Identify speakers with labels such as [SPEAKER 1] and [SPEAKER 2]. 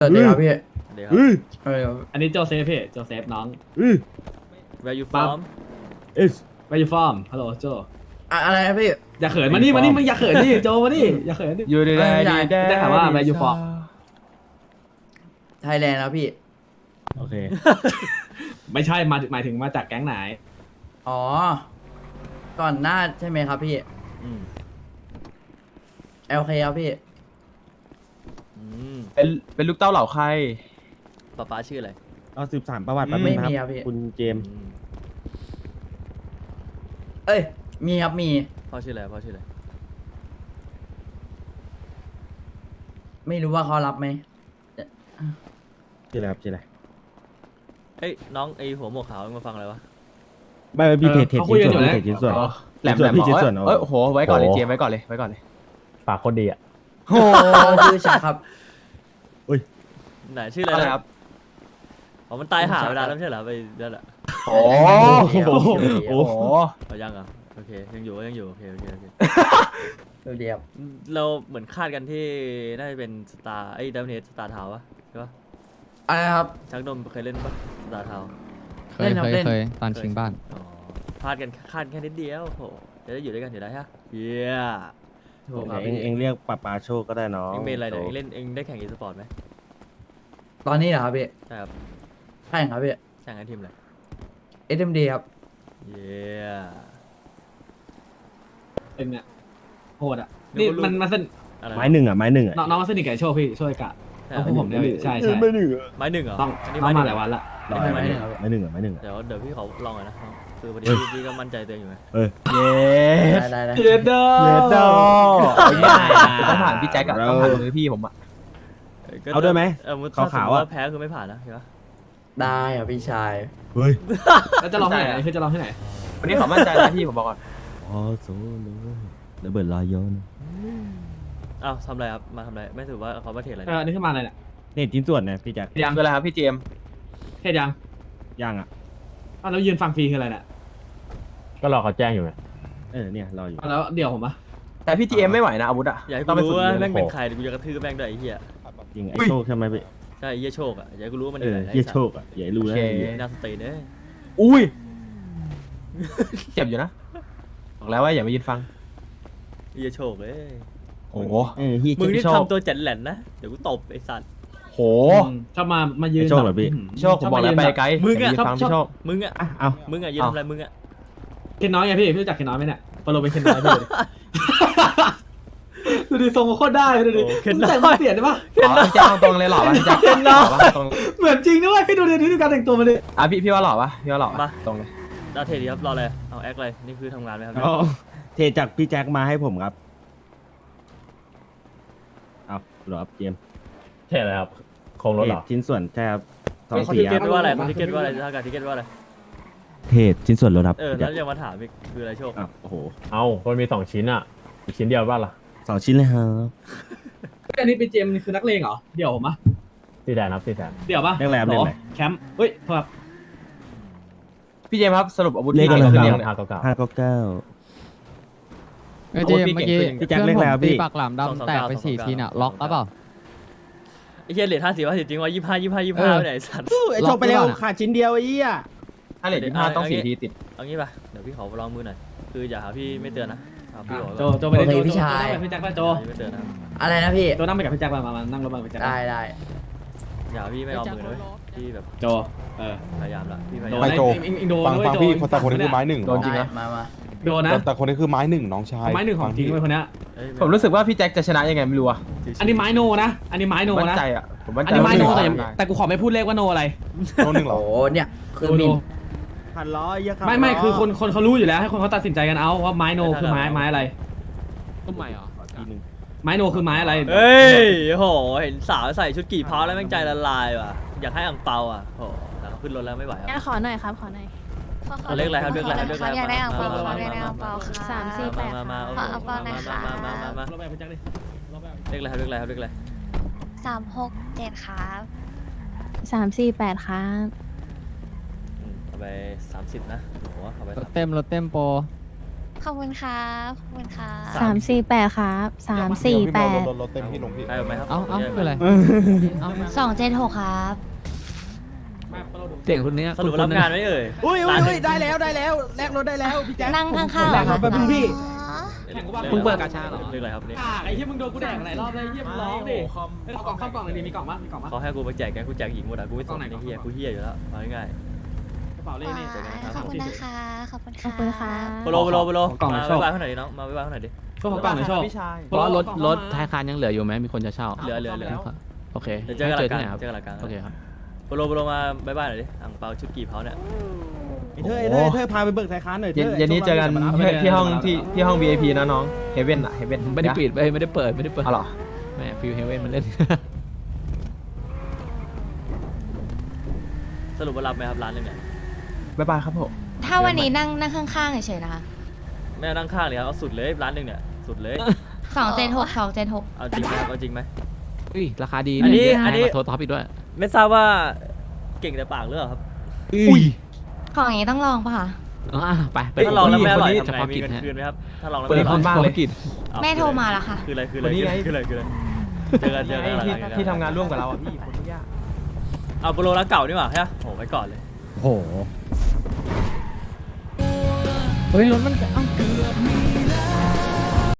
[SPEAKER 1] สวัสดีครับพี่
[SPEAKER 2] เดี๋ยวครับ
[SPEAKER 1] เออ
[SPEAKER 3] อันนี้โจเซฟพี่โจเซฟน้อง
[SPEAKER 2] Where you from
[SPEAKER 3] Where you from ฮัลโหลโจ
[SPEAKER 1] อะไรนะพี่
[SPEAKER 3] อย่าเขินมานี่มึงอย่าเขินดิโจมานี่อย่าเขินดิ
[SPEAKER 4] อยู่ดี
[SPEAKER 1] ไม่ได้
[SPEAKER 3] ได้ถามว่า Where you from
[SPEAKER 1] ไทยแลนด์ครับพี่
[SPEAKER 4] โอเค
[SPEAKER 3] ไม่ใช่หมายถึงมาจากแก๊งไหน
[SPEAKER 1] อ๋อ ก่อนหน้าใช่ไหมครับพี่
[SPEAKER 2] อืม
[SPEAKER 1] LK ครับพี่
[SPEAKER 2] อืม
[SPEAKER 4] เป็นลูกเต้าเหล่าใคร
[SPEAKER 2] ป๊าชื่ออะไร
[SPEAKER 5] เอาสืบสานประวัติ
[SPEAKER 1] ไม่
[SPEAKER 5] แป๊บนึงนะ
[SPEAKER 1] มี
[SPEAKER 5] ค
[SPEAKER 1] ครั
[SPEAKER 5] รับบ
[SPEAKER 1] พี่
[SPEAKER 5] คุณเจมส์
[SPEAKER 2] อืม
[SPEAKER 1] เอ้ย มีครับมี
[SPEAKER 2] พ่อชื่ออะไรพ่อชื่ออะไร
[SPEAKER 1] ไม่รู้ว่าเขารับไหม
[SPEAKER 5] ชื่ออะไรครับชื่ออะไร
[SPEAKER 2] เอ้ยน้องไอหัวหมวกขาวมาฟังอะไรวะ
[SPEAKER 5] ไม่พี่เทรด
[SPEAKER 3] เขาคุยกันอยู่
[SPEAKER 5] เทรดชิ้นส่วน
[SPEAKER 3] แล้ว
[SPEAKER 5] เทรดชิ้นส่วน
[SPEAKER 4] แหลม
[SPEAKER 5] พี่ชิ้นส่วน
[SPEAKER 4] เอ้ยโอ้โหไว้ก่อนเลยเจมส์ไว้ก่อนเลยไว้ก่อนเลย
[SPEAKER 6] ปากคนดีอ่ะ
[SPEAKER 1] โอ้ชื่อชักครับ
[SPEAKER 2] ไหนชื่ออะไร
[SPEAKER 4] อะไร
[SPEAKER 2] นะครับ อ๋อมันตายหาเวลาแล้วไม่ใช่เหรอไปนั่นแหละ
[SPEAKER 4] โอ้โห
[SPEAKER 5] โอ้โห
[SPEAKER 2] เอายังอ่ะโอเคยังอยู่ยังอยู่โอเคโอเคโอเค
[SPEAKER 1] เดียว
[SPEAKER 2] เราเหมือนคาดกันที่น่าจะเป็นสตาร์ไอ้ดัมเนสสตาร์ทาวะใช่ปะ
[SPEAKER 1] อะไรครับ
[SPEAKER 2] ชักนมเคยเล่นปะสตาร์ทาว
[SPEAKER 7] เค
[SPEAKER 1] เล่
[SPEAKER 7] ย
[SPEAKER 1] นครับ
[SPEAKER 7] เคย
[SPEAKER 1] เล่น
[SPEAKER 7] เคยตอนชิงบ้าน
[SPEAKER 2] อ๋อพลาดกันคาดแค่นิดเดียวโหจะได้อยู่ด้วยกันอยู่ได้ฮะเยี่ย
[SPEAKER 1] ถูกครับ
[SPEAKER 5] เองเรียกปาโชคก็ได้น้อง
[SPEAKER 2] เอ็งเป็นอะไรเนี่ยเอ็งเล่นเอ็งได้แข่งอีสปอร์ตไหม
[SPEAKER 1] ตอนนี้เหรอครับพี่
[SPEAKER 2] ใช่ครับ
[SPEAKER 1] ใช่ครับพี่
[SPEAKER 2] แข่งกันทีมอะไร
[SPEAKER 1] SMD ครับ
[SPEAKER 2] เยี่ย
[SPEAKER 3] เป็นเนี่ยโหดอ่ะนี่มันสนิท
[SPEAKER 2] อะไร
[SPEAKER 5] ไม้หนึ่งอ่ะไม้หนึ่งอ่ะ
[SPEAKER 3] น้องมาสนิทกับโชคพี่ช่วยกะ
[SPEAKER 2] ใช่
[SPEAKER 3] เอา
[SPEAKER 2] เห
[SPEAKER 3] พ
[SPEAKER 2] ร
[SPEAKER 3] วก
[SPEAKER 2] อ
[SPEAKER 3] ผมเนี่ยพี่ใช่ใช่
[SPEAKER 5] ไม่หนึ่งอ่ะ
[SPEAKER 2] ไม้หนึ่งเหรอ
[SPEAKER 3] ต้อง
[SPEAKER 2] อันนี้
[SPEAKER 3] น้อง
[SPEAKER 2] ไม้ห
[SPEAKER 3] มา
[SPEAKER 2] นึ่ง
[SPEAKER 3] หลายวันละ
[SPEAKER 5] รอ
[SPEAKER 1] ไม่
[SPEAKER 5] ไม้
[SPEAKER 1] ไม่
[SPEAKER 5] หนึ่ง
[SPEAKER 1] ครับ
[SPEAKER 5] ไม้หนึ่งอ่ะไม้หนึ่งอ่ะ
[SPEAKER 2] เดี๋ยวพี่เขาลองหน่อยนะคือพอดีพี่ก็มั่นใจตัวเองอยู่ไง
[SPEAKER 5] เออ
[SPEAKER 4] เย้
[SPEAKER 1] ได้
[SPEAKER 3] เย็ดเด้อ
[SPEAKER 4] เยดโดง่ายต้องผ่านพี่แจ็คอะต้องผ่านมือพี่ผมอะ
[SPEAKER 5] เอาด้วยไหม
[SPEAKER 2] มุติ
[SPEAKER 5] ขาวๆอะ
[SPEAKER 2] แพ้คือไม่ผ่านนะใช่ปะ
[SPEAKER 1] ได้ครับพี่ชาย
[SPEAKER 5] เฮ้ย
[SPEAKER 3] แล้วจะลองที่ไหนคือจะลองที่ไหน
[SPEAKER 4] วันนี้ขอมั่นใจนะพี่ผมบอกก่อน
[SPEAKER 5] อ๋อโซโล่ระเบิดลอยย้อน
[SPEAKER 2] อ้าวทำอะไรครับมาทำอะไรไม่ถือว่าเขามาเทรดอะไร
[SPEAKER 3] อันนี้ขึ้นมาอะไรเนี่ย
[SPEAKER 5] เทรดชิ้นส่วนนะพี่แจ็ค
[SPEAKER 3] ยัง
[SPEAKER 4] คืออะไรครับพี่เจมส์
[SPEAKER 3] เทศยัง
[SPEAKER 5] ย่างอ่ะ
[SPEAKER 3] อ้าวแล้วยืนฟังฟรีคืออะไรเนี่ย
[SPEAKER 6] ก็รอเขาแจ้งอยู่ไง
[SPEAKER 5] เนี่ยรออยู่
[SPEAKER 3] อ้าวแล้วเดี๋ยวผมปะ
[SPEAKER 4] แต่พี่เจมส์ไม่ไหวนะอาวุธอะ
[SPEAKER 2] อยากให้
[SPEAKER 4] ต้
[SPEAKER 2] กู
[SPEAKER 4] องไป
[SPEAKER 2] รู้
[SPEAKER 4] ฝึก
[SPEAKER 2] ว่า
[SPEAKER 4] เรียน
[SPEAKER 2] แม่งเป็น
[SPEAKER 4] โอ้
[SPEAKER 2] ใครเดี๋ยวกูจะกระทืบแม่งด้วยไอ้เหี้ย
[SPEAKER 5] จริงไอ้โชคใช่ไหมพี่
[SPEAKER 2] ใช่ไอ้เหี้ยโชคอ่ะอยากให้กูรู้ว่ามันอ
[SPEAKER 5] เอยู่ อ
[SPEAKER 2] ไหน
[SPEAKER 5] เฮียโชคอ่ะอย่าให้รู้นะ
[SPEAKER 2] น่าสเตย์เด้อ
[SPEAKER 4] อุ้ยเจ็บอยู่นะบอกแล้วว่าอย่ามายืนฟัง
[SPEAKER 2] ไอ้เหี้ยโชคเอ้ย
[SPEAKER 4] โอ้โห
[SPEAKER 5] เฮีย
[SPEAKER 2] มึงนี่
[SPEAKER 4] โชค
[SPEAKER 2] ทำตัวแจันแหลนนะเดี๋ยวกูตบไอ้สัตว์
[SPEAKER 4] โห
[SPEAKER 3] ชอบมายืน
[SPEAKER 5] โชคเหรอพี่
[SPEAKER 4] โชคผมบอกแล้วไปไกล
[SPEAKER 2] มึงอะ
[SPEAKER 4] ย่ายืนฟังพี่โชค
[SPEAKER 2] มึงอ่ะ
[SPEAKER 5] อ่ะเอา
[SPEAKER 2] มึงอ่ะยืนทำอะไรมึงอ่ะ
[SPEAKER 3] เคนน้อยไงพี่รู้จักเคนน้อยไหมเนี่ยฟอลโลเป็นเคนน้อยพี่ดูดิทรงโคตรได้ดูดิ
[SPEAKER 2] เคน
[SPEAKER 3] แต่ง
[SPEAKER 2] น้อย
[SPEAKER 3] เปลี่ยนได้ปะ
[SPEAKER 4] อ๋อพี่แจ็คเอาตรงเลยหล่อปะพี่แจ็คหล่อปะตรง
[SPEAKER 3] เหมือนจริงด้วยพี่ดูดิดูการแต่งตัวมาเลย
[SPEAKER 4] อ่ะพี่ว่าหล่อปะพี่ว่าหล่อปะ
[SPEAKER 2] มา
[SPEAKER 4] ตรงเลย
[SPEAKER 2] ดาวเทรดดีครับรออะไรเอาแอคเลยนี่คือทำงานไหมครับ
[SPEAKER 5] เอาเทรดจากพี่แจ็คมาให้ผมครับเอาหรอครับเจมส์
[SPEAKER 6] ใช่เลยครับโครงรถเหรอ
[SPEAKER 5] เทชิ้นส่วนใช่ครับสอง
[SPEAKER 2] เขา
[SPEAKER 5] สี่
[SPEAKER 2] ทิเก็ต
[SPEAKER 5] ครับ
[SPEAKER 2] ว่าอะไรเขาทิเก็ตว่าอะไรถ้าการทิเก็ตว่าอะไร
[SPEAKER 5] เทรดชิ้นส่วนรถครับ
[SPEAKER 2] เออแล้วยังมาถามอีกคืออะไรโชค
[SPEAKER 5] อ้าวโอ้โห
[SPEAKER 6] เอามันมี2 ชิ้นอ่ะ อีกชิ้นเดียวบ้างล่ะ
[SPEAKER 5] 2 ชิ้นเลยครับ
[SPEAKER 3] อันนี้เป็นเจมส์คือนักเลงเหรอเดี๋ยวผมปะ
[SPEAKER 6] 4 แสนครับ4 แสน
[SPEAKER 3] เดี๋ยวปะ
[SPEAKER 5] เรียกอะไรครับเรียกอะไร
[SPEAKER 3] แคมป์เฮ้ยโทษครับ
[SPEAKER 4] พี่เจมส์ครับสรุปอาวุธ
[SPEAKER 5] เลข
[SPEAKER 4] พี่
[SPEAKER 5] อะไร
[SPEAKER 4] เก่ง
[SPEAKER 5] ค
[SPEAKER 4] ขึ้
[SPEAKER 5] รั
[SPEAKER 4] น
[SPEAKER 5] บ
[SPEAKER 4] ยังเนี่ย
[SPEAKER 5] 599
[SPEAKER 7] เอ้ยเจมส์เมื่อกี้
[SPEAKER 5] พี่แจ็คเลขอะไรครับพี่
[SPEAKER 7] ตีปากหลามดำแตกไป4 ทีน่ะล็อกแล้วเปล่า
[SPEAKER 2] ไอ้เหี้ยเหรียญ50จริงว่า25ไปไหนสัตว์
[SPEAKER 5] ไอโชคไปเร็วขาดชิ้นเดียวไอ้เหี้ย
[SPEAKER 4] ถ้าเหรียญ25ต้อง4 ทีติด
[SPEAKER 2] เอางี้ป่ะเดี๋ยวพี่ขอลองมือหน่อยคืออย่าหาพี่ไม่เตือนนะเอาพี่บอก
[SPEAKER 3] โจโจไปเลย
[SPEAKER 1] โอเค
[SPEAKER 3] โจ
[SPEAKER 1] พี่ชาย
[SPEAKER 3] โจนั่งไปกับพี่แจ็คป่ะโจ
[SPEAKER 2] ไม่เตือนนะ
[SPEAKER 1] อะไรนะพี่
[SPEAKER 3] โจนั่งไปกับพี่แจ็คมานั่งรถมากับพี่แจ็ค
[SPEAKER 1] ได้ได้
[SPEAKER 2] อย่าพี่ไม่เอามือเลยพี่แบบ
[SPEAKER 3] โจ
[SPEAKER 2] พยายามละพี่พยา
[SPEAKER 3] โด
[SPEAKER 2] ยาม
[SPEAKER 3] น
[SPEAKER 8] โจ
[SPEAKER 3] โดน
[SPEAKER 8] ฟัง
[SPEAKER 3] ด้วย
[SPEAKER 8] ฟัง
[SPEAKER 3] โจ
[SPEAKER 8] พี่แต่คนนี้คือไม้หนึ่ง
[SPEAKER 4] โดนจริงนะ
[SPEAKER 1] มา
[SPEAKER 3] โดนนะ
[SPEAKER 8] แต่คนนี้คือไม้หนึ่งน้องชาย
[SPEAKER 3] ไม้หนึ่งของจริง
[SPEAKER 8] ฟั
[SPEAKER 3] เว้ยคนเนี้ย
[SPEAKER 4] ผมรู้สึกว่าพี่แจ็คจะชนะยังไงไม่รู้อะ
[SPEAKER 3] อันนี้ไม้โนนะ อันนี้ไม้โน
[SPEAKER 4] มั่น
[SPEAKER 3] นะ
[SPEAKER 4] ใจอะผมมั่น
[SPEAKER 3] อั
[SPEAKER 4] ใจ
[SPEAKER 3] นนี้ไม้โน
[SPEAKER 4] ว่า
[SPEAKER 3] แต่
[SPEAKER 4] พี่
[SPEAKER 3] ยัง
[SPEAKER 4] ชนะ
[SPEAKER 3] แต่กูขอไม่พี่โนอะไร
[SPEAKER 8] โน่นหนึ่งเหร
[SPEAKER 1] โอ้
[SPEAKER 8] อ
[SPEAKER 1] เนี่ยคือ
[SPEAKER 3] โน
[SPEAKER 1] มิน
[SPEAKER 5] พันร้อยเยอะครับ
[SPEAKER 3] ไม่คือคนเขารู้อยู่แล้วให้คนเขาตัดสินใจกันเอาว่าไม้โนคือไม้อะไร
[SPEAKER 7] ต้นใหม่เหรอ
[SPEAKER 5] ทีนึง
[SPEAKER 3] ไม้โนคือไม้อะไร
[SPEAKER 2] เฮ้ยโหเห็นสาวใส่ชุดกี่เพาแล้วแม่งใจละลายว่ะอยากให้อ่างเปาอ่ะโหแล้วขึ้นรถแล้วไม่ไหว
[SPEAKER 9] งั้นขอหน่อยครับขอหน่อย
[SPEAKER 2] เรียกอะไรครับเรียกอะไรครับเรียกอะไร
[SPEAKER 9] อยากได้อ่างเปาอยากได้อ่างเปาค่ะ348
[SPEAKER 2] มา
[SPEAKER 9] ขออ่างเปาหน่อยค่ะ
[SPEAKER 3] รถไปพี่แจ็คดิรถไป
[SPEAKER 2] เรียกอะไรครับเรียกอะไรครับเรียกอะไร
[SPEAKER 9] 367ครับ348ครับ
[SPEAKER 2] เอาไป30นะโหเอาไป
[SPEAKER 7] รถเต็มโปร
[SPEAKER 9] ขอบคุณครับขอบคุณครับ
[SPEAKER 8] 348
[SPEAKER 9] ครับ
[SPEAKER 8] รถเต็มพี่ลงพี่
[SPEAKER 2] ใครเอาไหมครับ
[SPEAKER 7] เอ้าคืออะไร
[SPEAKER 9] 276ครับ
[SPEAKER 7] เสียงคนเนี้ย
[SPEAKER 2] สรุปรับงานไหมเอ่ย
[SPEAKER 5] อุ้ยได้แล้วแลกรถได้แล้วพี่แจ๊ค
[SPEAKER 9] นั่งข้างๆ
[SPEAKER 5] แลกรถไปบนึงพี่
[SPEAKER 3] มึงเปิดกาชาเหรอ
[SPEAKER 2] เรื่องอะไรครับเนี่ย
[SPEAKER 3] ไอ้ที่มึงโดนกูแดกหลายรอบเลยเฮียมึงร้องดิเอากล่องเข้ากล่องเลยดิมีกล่องมั้ยมีกล่องมั้ย
[SPEAKER 2] เขาให้กูไปแจกแกงกูแจกหญิงหมดอ่ะกูไม่สน
[SPEAKER 3] กล้องไหน
[SPEAKER 2] ไอ้เฮียกูเฮียอยู่แล้วเอาง่าย
[SPEAKER 3] กระเป๋าเลขนี่
[SPEAKER 9] ขอบคุณนะคะ ขอบคุณ
[SPEAKER 10] ขอบคุณค่ะ
[SPEAKER 2] ๆโปโล
[SPEAKER 3] กล่องไหน
[SPEAKER 2] มา
[SPEAKER 3] ชอบ
[SPEAKER 2] บ๊ายบายเขาหน่อยดิน้องมาบ๊ายบายเขาหน่อยดิ
[SPEAKER 3] ช่วงของกล่องไหนชอบ
[SPEAKER 4] พี่ชาย
[SPEAKER 7] เพราะว่ารถท้ายคานยังเหลืออยู่ไหมมีคนจะเช่า
[SPEAKER 2] เหลือ
[SPEAKER 7] โอเค
[SPEAKER 2] เดี๋ยวเจอกันหลัง
[SPEAKER 7] ที่
[SPEAKER 2] กา
[SPEAKER 7] ไห
[SPEAKER 2] ร
[SPEAKER 7] นครับ
[SPEAKER 2] เจอกันหลังการ
[SPEAKER 7] โอเคครับ
[SPEAKER 2] โปโลมาบ๊ายบายหน่อยดิอ่างเปาชุดกี่เผาเนี่ย
[SPEAKER 5] เธอพาไปเบิกสายค้านหน่อยเธอ
[SPEAKER 4] เย็นนี้เจอกันที่ห้อง VIP นะน้องเฮเว่นอะเฮเว่น
[SPEAKER 7] ไม่ได้ปิดไม่ได้เปิด
[SPEAKER 4] อ๋อเหรอ
[SPEAKER 7] แม่ฟิวเฮเว่นมันเล่น
[SPEAKER 2] สรุปว่ารับไหมครับร้านนึงเนี่ย
[SPEAKER 4] บ๊ายบายครับผม
[SPEAKER 9] ถ้าวันนี้นั่งข้างๆเฉยๆนะคะ
[SPEAKER 2] ไม่เอานั่งข้างเลยครับเอาสุดเลยร้านนึงเนี่ยสุดเลย
[SPEAKER 9] 276
[SPEAKER 2] เอาจริงไหมครับเอาจริงไหม
[SPEAKER 7] อุ้ยราคาดี
[SPEAKER 2] อันนี้
[SPEAKER 7] แพงกว่าโทรท็อปอีกด้วย
[SPEAKER 2] ไม่ทราบว่าเก่งแต่ปากหรือเปล่าครับ
[SPEAKER 4] อุ้ย
[SPEAKER 9] ของอย่างนี้ต้องลองป่ะคะ
[SPEAKER 7] ไป
[SPEAKER 2] ถ้าลองแล้วไม่อร่อย
[SPEAKER 7] เฉ
[SPEAKER 2] ทำไง
[SPEAKER 7] พาะ
[SPEAKER 2] มี
[SPEAKER 7] กิจ
[SPEAKER 2] เงิน
[SPEAKER 7] ฮะ
[SPEAKER 2] คืนไหมครับถ้าลองแล้ว
[SPEAKER 4] เปิ
[SPEAKER 2] ไม่
[SPEAKER 4] ด
[SPEAKER 2] อ
[SPEAKER 4] ค
[SPEAKER 2] ร่
[SPEAKER 4] น
[SPEAKER 2] อย
[SPEAKER 4] บ้าง
[SPEAKER 7] เฉ
[SPEAKER 4] เล
[SPEAKER 7] พาะ
[SPEAKER 4] ย
[SPEAKER 7] กิจ
[SPEAKER 2] เอา
[SPEAKER 9] แม่โทรมาแล้วค่ะ
[SPEAKER 2] คืออะไร
[SPEAKER 4] วันนี้ไง
[SPEAKER 2] คืออะไรเจอกัน
[SPEAKER 4] ที่ทำงานร่วมกับเราอ่ะพี่คนทุกอย่าง
[SPEAKER 2] เอาโปโลร้านเก่านี่หว่าใช่ไหมโอ้ไว้ก่อนเลย
[SPEAKER 7] โหเฮ้ยรถมันเอ้า